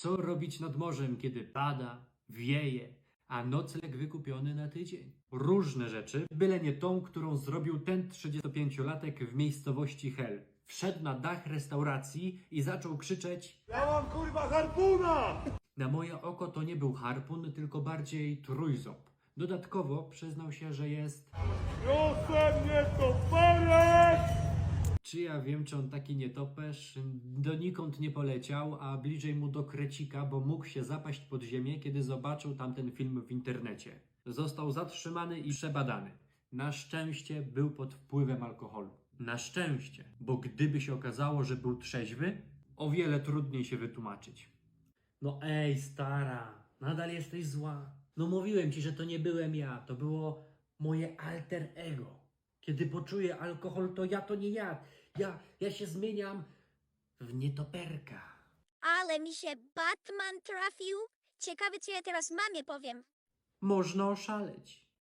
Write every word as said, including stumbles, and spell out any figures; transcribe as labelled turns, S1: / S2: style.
S1: Co robić nad morzem, kiedy pada, wieje, a nocleg wykupiony na tydzień? Różne rzeczy, byle nie tą, którą zrobił ten trzydziestopięciolatek w miejscowości Hel. Wszedł na dach restauracji i zaczął krzyczeć:
S2: Ja mam kurwa harpuna!
S1: Na moje oko to nie był harpun, tylko bardziej trójząb. Dodatkowo przyznał się, że jest...
S2: Proszę mnie to perek!
S1: Czy ja wiem, czy on taki nietoperz? Donikąd nie poleciał, a bliżej mu do krecika, bo mógł się zapaść pod ziemię, kiedy zobaczył tamten film w internecie. Został zatrzymany i przebadany. Na szczęście był pod wpływem alkoholu. Na szczęście, bo gdyby się okazało, że był trzeźwy, o wiele trudniej się wytłumaczyć. No ej, stara, nadal jesteś zła. No mówiłem ci, że to nie byłem ja, to było moje alter ego. Kiedy poczuję alkohol, to ja to nie ja. Ja, ja się zmieniam w nietoperka.
S3: Ale mi się Batman trafił. Ciekawe, co ja teraz mamie powiem.
S1: Można oszaleć.